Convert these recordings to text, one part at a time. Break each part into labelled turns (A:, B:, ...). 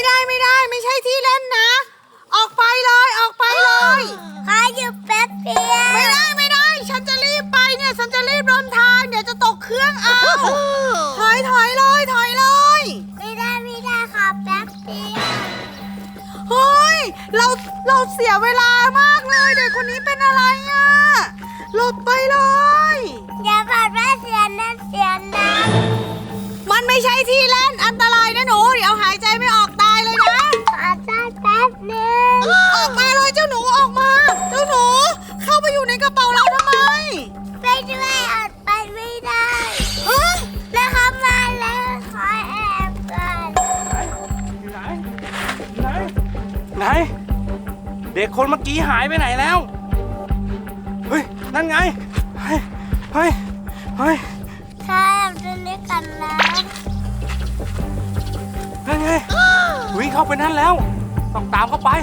A: ไม่ใช่ที่เล่นนะ ออกไปเลยออกไปเลย
B: ขออยู่แป๊บเดียว
A: ไม่ได้ฉันจะรีบไปเนี่ยฉันจะรีบเดินทางเดี๋ยวจะตกเครื่องเอาถอยเลย
B: ไม่ได้ขอแป๊บเดียว
A: เฮ้ยเราเสียเวลามากเลยเด็กคนนี้เป็นอะไรอ่ะหลบไปเลย
B: อย่าบอกว่าเสียนั้น
A: มันไม่ใช่ที่เล่นอันตรายนะหนูเดี๋ยวหายใจไม่ออกตายเลยนะ
B: ขอแป๊บนึง
A: ออกมาเลยเจ้าหนูออกมาเจ้าหนูเข้าไปอยู่ในกระเป๋าเราทำไม
B: ไปด้วยอดไปไม่ได้แล้วเขามาแล้วขอแอบก่อน
C: ไหนเด็กคนเมื่อกี้หายไปไหนแล้วเฮ้ยนั่นไงเฮ้ย
B: ข้าแอบดูนี่กันนะ
C: นั่นไงวิ่งเข้าไปนั่นแล้วต้องตามเข้าไป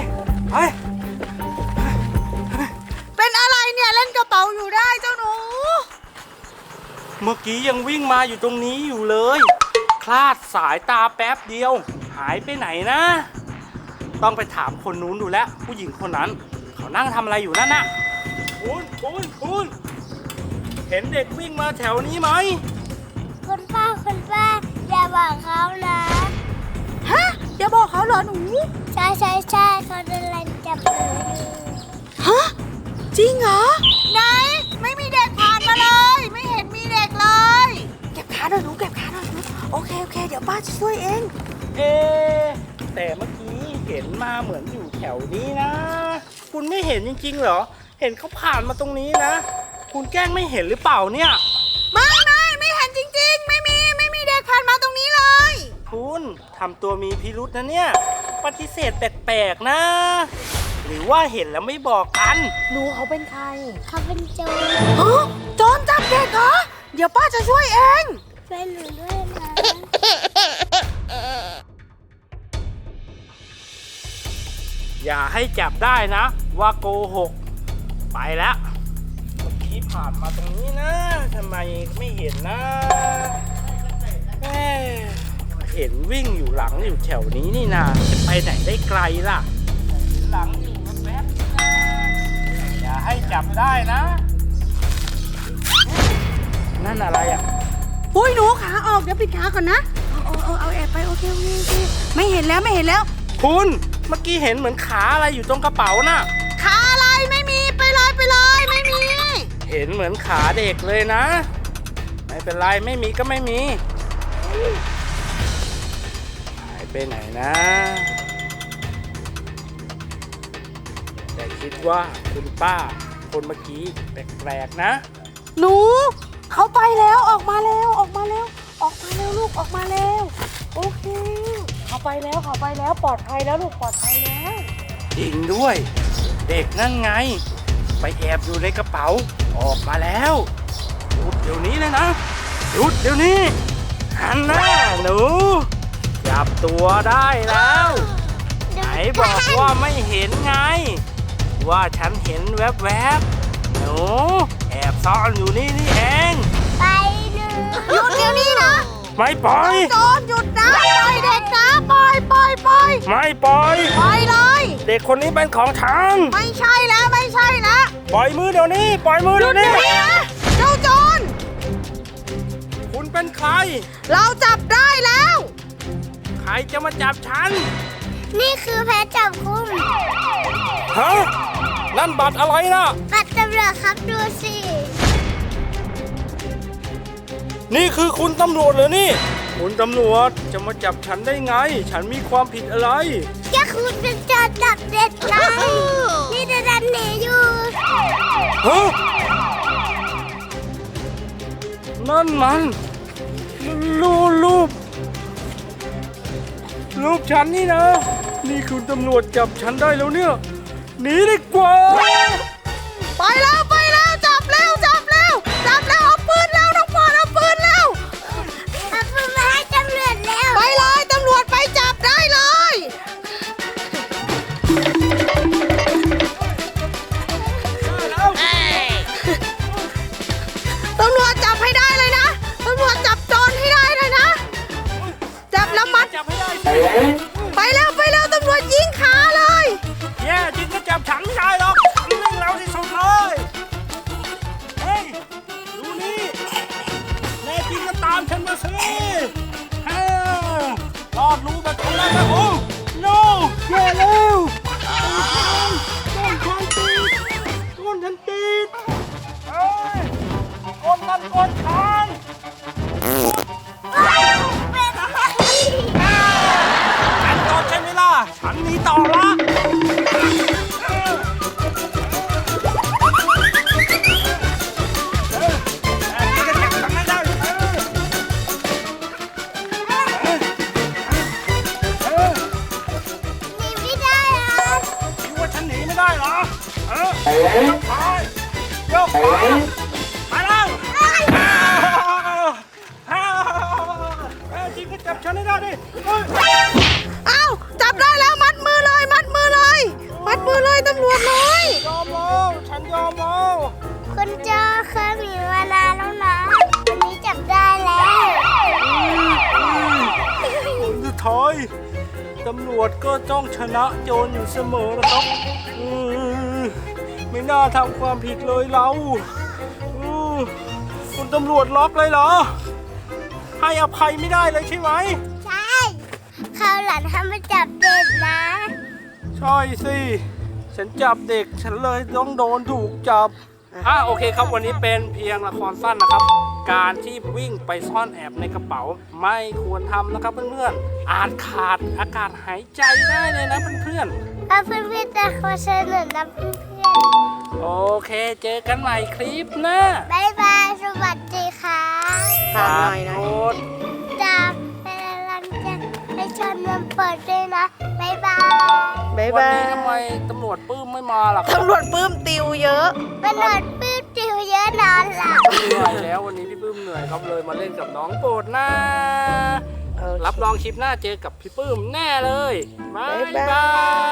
A: เป็นอะไรเนี่ยเล่นกระเป๋าอยู่ได้เจ้าหนู
C: เมื่อกี้ยังวิ่งมาอยู่ตรงนี้อยู่เลยคลาดสายตาแป๊บเดียวหายไปไหนนะต้องไปถามคนนู้นดูแลผู้หญิงคนนั้นเขานั่งทำอะไรอยู่นั่นน่ะคุณเห็นเด็กวิ่งมาแถวนี้ไหม
B: คุณป้าอย่าบอกเขานะ
A: ฮะอย่าบอกเขาเหรอหนู
B: ใช่เขากำลังจับหนูอยู่
A: ฮะจริงเหรอไหนไม่มีเด็กผ่านมาเลยไม่เห็นมีเด็กเลยเก็บขาหน่อยหนูโอเคเดี๋ยวป้าจะช่วยเอง
C: แต่เมื่อกี้เห็นมาเหมือนอยู่แถวนี้นะคุณไม่เห็นจริงๆเหรอเห็นเขาผ่านมาตรงนี้นะคุณแกล้งไม่เห็นหรือเปล่าเนี่ย
A: ไม่เห็นจริงๆไม่มีเด็กผ่านมาตรงนี้เลย
C: คุณทำตัวมีพิรุธนะเนี่ยปฏิเสธแปลกๆนะหรือว่าเห็นแล้วไม่บอกกัน
A: หนูเขาเป็นใคร
B: เขาเป็นโจร
A: โจรจับเด็กเหรอเดี๋ยวป้าจะช่วยเอง
B: ช่วยหนูด้วยนะ
C: อย่าให้จับได้นะว่าโกหกไปแล้วเมื่อกี้ผ่านมาตรงนี้นะทำไมไม่เห็นนะเห็นวิ่งอยู่หลังอยู่แถวนี้นี่นาจะไปไหนได้ไกลล่ะหลังอยู่แป๊บๆอย่าให้จับได้นะนั่นอะไรอ่ะ
A: อุ้ยหนูขาออกเดี๋ยวปิดขาก่อนนะเอาแอบไปโอเคไม่เห็นแล้ว
C: คุณเมื่อกี้เห็นเหมือนขาอะไรอยู่ตรงกระเป๋าน่ะ
A: ขาอะไรไม่มีไปเลยไม่มี
C: เห็นเหมือนขาเด็กเลยนะไม่เป็นไรไม่มีก็ไม่มีหายไปไหนนะแต่คิดว่าคุณป้าคนเมื่อกี้แปลกๆนะ
A: หนูเขาไปแล้วออกมาแล้วลูกออกมาแล้วโอเคเขาไปแล้วปลอดภัยแล้วลูกปลอดภัยแล้ว
C: จริงด้วยเด็กนั่นไงไปแอบอยู่ในกระเป๋าออกมาแล้วหยุดเดี๋ยวนี้เลยนะหยุดเดี๋ยวนี้หันหน้าหนูจับตัวได้แล้วไหนบอกว่าไม่เห็นไงว่าฉันเห็นแวบๆหนูแอบซ่อนอยู่นี่เอง
B: ไปเลย
A: หยุดเดี๋ยวนี้นะ
C: ไม่ปล่อย
A: โจรหยุดนะปล่อยเด็กนะปล่อย
C: ไม่ปล่อย
A: เลย
C: เด็กคนนี้เป็นของฉัน
A: ไม่ใช่แล้ว
C: ปล่อยมือเดี๋ยวนี้ปล่อยมือเดี๋ยวนี้
A: นะเจ้าโจร
C: คุณเป็นใคร
A: เราจับได้แล้ว
C: ใครจะมาจับฉัน
B: นี่คือแพทจับกุม
C: ฮะนั่นบัตรอะไรนะ
B: บัตรตำรวจครับดูสิ
C: นี่คือคุณตำรวจเหรอนี่คุณตำรวจจะมาจับฉันได้ไงฉันมีความผิดอะไร
B: แค่คุณเป็นโจรจับเด็กไงนี่จะดันหนีอยู่
C: ฮะนั่นมันรูปฉันนี่นะนี่คุณตำรวจจับฉันได้แล้วเนี่ยหนีดีกว่า
A: ไปแล้วจับแล้วเอาปืนแล้วน้องพรเอาปืนแล้ว
B: เอาปืนมาให้ตำรวจแล้ว
A: ไปเลยตำรวจไปจับได้เลยตำรวจจับให้ได้เลยนะตำรวจจับโจรให้ได้เลยนะจับแล้วมัด
C: จับให้ได้
A: ไปแล้ว
C: ฉันไม่ได้หรอกฉันวิ่งเร็วที่สุดเลยเฮ้ยดูนี่แน่จริงก็ตามฉันมาสิเฮ้ยรอดรู้แบบนี้แล้วนะโอ้ no แย่แล้วต้นฉันติดต้นฉันติดเฮ้ยก้นนั่นก้นฉันฉันโดนใช่ไหมล่ะฉันหนีต่อละยกขามาแล้วจริงก็จับฉันให้ได้ดิ
A: อ้าวจับได้แล้วมัดมือเลยมัดมือเลยมัดมือเลยตำรวจเลย
C: ยอมแล้วฉันยอมแล้ว
B: คุณเจอเคยมีมานานแล้วนะวันนี้จับได้แล้ว
C: สุดท้ายตำรวจก็จ้องชนะโจรอยู่เสมอนะครับไม่น่าทำความผิดเลยเราคุณตำรวจล็อกเลยเหรอให้อภัยไม่ได้เลยใช่ไหม
B: ใช่คราวหลังถ้ามาจับเด็กนะ
C: ใช่สิฉันจับเด็กฉันเลยต้องโดนถูกจับโอเคครับวันนี้เป็นเพียงละครสั้นนะครับ การที่วิ่งไปซ่อนแอบในกระเป๋าไม่ควรทำนะครับเพื่อนๆอาจขาดอากาศหายใจได้เลยนะเพื่อนๆ
B: เอาเพื่อนๆจะขอเชิญหนุนนะเพื่อน
C: โอเคเจอกันใหม่คลิปหน้า
B: ๆบ๊ายบายสวัสดีค่ะ
A: ฝากหน่อยนะ
C: โอ๊ต
B: จากเป็นกำลังใจให้ชมมันเปิดด้วยนะบ๊ายบาย
A: บ๊าย
C: วัน
A: บา
C: นี้
A: ย
C: ทำไมตำรวจปื้มไม่มาล่ะครับ
A: ตำรวจปลื้มติวเยอะ
B: มันนอนปื้ดจิ๋วเยอะนอนหลับ
C: เหนื่อยแล้ววันนี้พี่ปื้มเหนื่อยครับเลยมาเล่นกับน้องโปรดนะ
A: โอเค
C: รับรองคลิปหน้าเจอกับพี่ปื้มแน่เลยบ๊าย
A: บ๊ายบาย
C: บาย